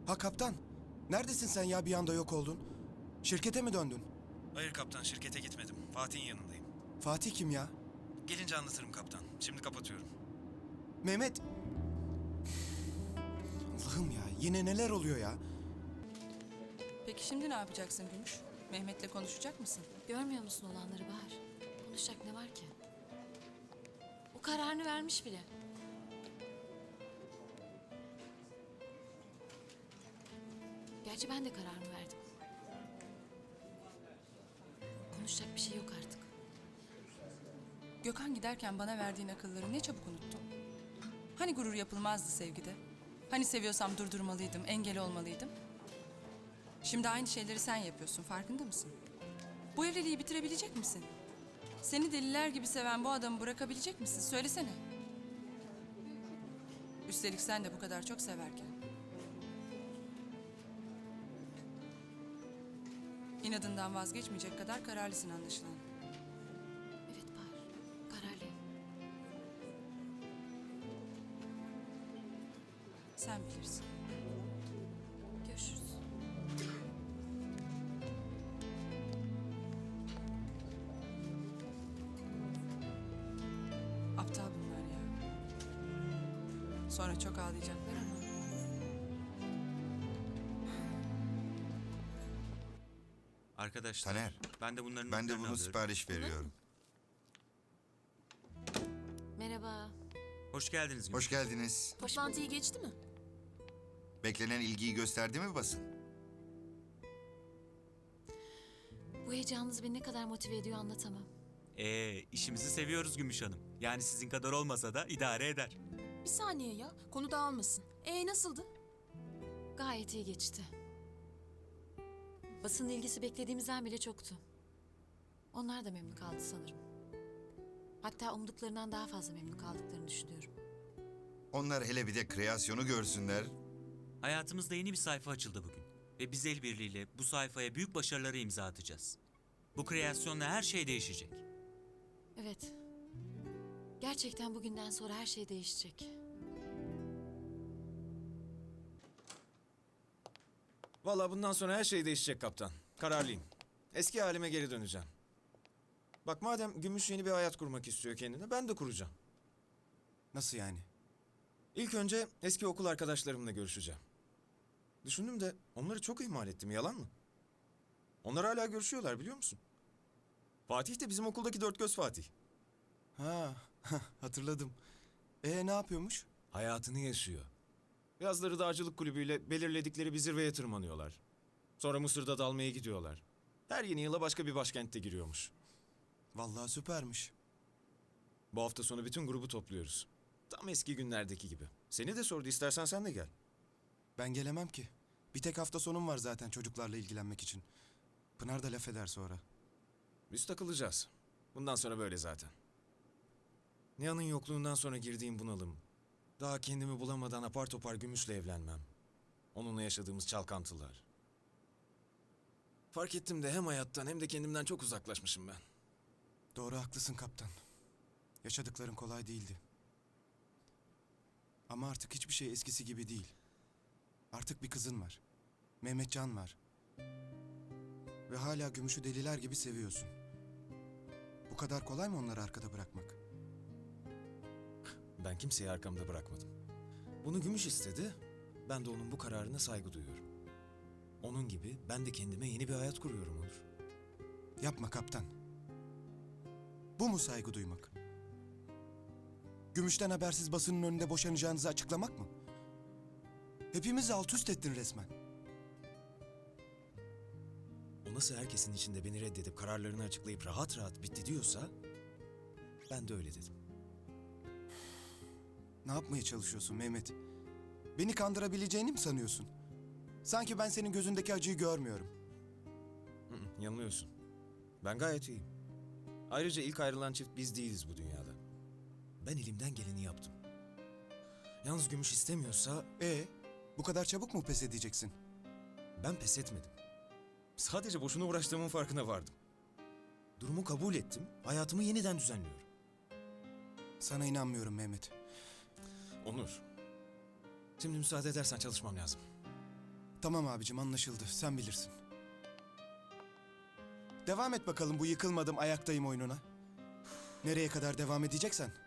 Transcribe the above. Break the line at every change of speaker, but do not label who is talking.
Ha kaptan, neredesin sen ya, bir anda yok oldun? Şirkete mi döndün?
Hayır kaptan, şirkete gitmedim. Fatih'in yanındayım.
Fatih kim ya?
Gelince anlatırım kaptan. Şimdi kapatıyorum.
Mehmet. Allah'ım ya, yine neler oluyor ya?
Peki şimdi ne yapacaksın Gümüş? Mehmet'le konuşacak mısın?
Görmüyor musun olanları Bahar? Konuşacak ne var ki? O kararını vermiş bile. Gerçi ben de kararımı verdim. Konuşacak bir şey yok artık.
Gökhan giderken bana verdiğin akılları ne çabuk unuttun. Hani gurur yapılmazdı sevgide? Hani seviyorsam durdurmalıydım, engel olmalıydım? Şimdi aynı şeyleri sen yapıyorsun, farkında mısın? Bu evliliği bitirebilecek misin? Seni deliler gibi seven bu adamı bırakabilecek misin? Söylesene. Üstelik sen de bu kadar çok severken. İnadından vazgeçmeyecek kadar kararlısın anlaşılan.
Evet Bahar, kararlıyım.
Sen bilirsin.
Görüşürüz.
Aptal bunlar ya. Sonra çok ağlayacaklar ama.
Arkadaşlar,
Taner,
ben de bunların
ben de
notlarını
bunu
alıyorum.
sipariş veriyorum.
Merhaba.
Hoş geldiniz Gümüş.
Hoş geldiniz.
Toplantıyı geçti mi?
Beklenen ilgiyi gösterdi mi basın?
Bu heyecanınız beni ne kadar motive ediyor anlatamam.
İşimizi seviyoruz Gümüş Hanım. Yani sizin kadar olmasa da idare eder.
Bir saniye ya, konu dağılmasın. Nasıldı?
Gayet iyi geçti. Basının ilgisi beklediğimizden bile çoktu. Onlar da memnun kaldı sanırım. Hatta umduklarından daha fazla memnun kaldıklarını düşünüyorum.
Onlar hele bir de kreasyonu görsünler.
Hayatımızda yeni bir sayfa açıldı bugün. Ve biz el birliğiyle bu sayfaya büyük başarıları imza atacağız. Bu kreasyonla her şey değişecek.
Evet. Gerçekten bugünden sonra her şey değişecek.
Vallahi bundan sonra her şey değişecek kaptan. Kararlıyım. Eski halime geri döneceğim. Bak madem Gümüş yeni bir hayat kurmak istiyor kendine, ben de kuracağım.
Nasıl yani?
İlk önce eski okul arkadaşlarımla görüşeceğim. Düşündüm de onları çok ihmal ettim, yalan mı? Onlar hala görüşüyorlar, biliyor musun? Fatih de bizim okuldaki dört göz Fatih.
Ha, hatırladım. Ne yapıyormuş?
Hayatını yaşıyor. Yazları dağcılık kulübüyle belirledikleri bir zirveye tırmanıyorlar. Sonra Mısır'da dalmaya gidiyorlar. Her yeni yıla başka bir başkentte giriyormuş.
Vallahi süpermiş.
Bu hafta sonu bütün grubu topluyoruz. Tam eski günlerdeki gibi. Seni de sordu, istersen sen de gel.
Ben gelemem ki. Bir tek hafta sonum var zaten çocuklarla ilgilenmek için. Pınar da laf eder sonra.
Biz takılacağız. Bundan sonra böyle zaten. Nihan'ın yokluğundan sonra girdiğim bunalım. Daha kendimi bulamadan apar topar Gümüş'le evlenmem. Onunla yaşadığımız çalkantılar. Fark ettim de hem hayattan hem de kendimden çok uzaklaşmışım ben.
Doğru, haklısın kaptan. Yaşadıkların kolay değildi. Ama artık hiçbir şey eskisi gibi değil. Artık bir kızın var. Mehmetcan var. Ve hala Gümüş'ü deliler gibi seviyorsun. Bu kadar kolay mı onları arkada bırakmak?
Ben kimseyi arkamda bırakmadım. Bunu Gümüş istedi. Ben de onun bu kararına saygı duyuyorum. Onun gibi ben de kendime yeni bir hayat kuruyorum Onur.
Yapma kaptan. Bu mu saygı duymak? Gümüşten habersiz basının önünde boşanacağınızı açıklamak mı? Hepimizi alt üst ettin resmen.
O nasıl herkesin içinde beni reddedip kararlarını açıklayıp rahat rahat bitti diyorsa ben de öyle dedim.
Ne yapmaya çalışıyorsun Mehmet? Beni kandırabileceğini mi sanıyorsun? Sanki ben senin gözündeki acıyı görmüyorum.
Yanılıyorsun. Ben gayet iyiyim. Ayrıca ilk ayrılan çift biz değiliz bu dünyada. Ben elimden geleni yaptım. Yalnız Gümüş istemiyorsa
Bu kadar çabuk mu pes edeceksin?
ben pes etmedim. Sadece boşuna uğraştığımın farkına vardım. Durumu kabul ettim, hayatımı yeniden düzenliyorum.
Sana inanmıyorum Mehmet.
Onur, şimdi müsaade edersen çalışmam lazım.
Tamam abicim, anlaşıldı. Sen bilirsin. Devam et bakalım bu yıkılmadım ayaktayım oyununa. Nereye kadar devam edeceksen.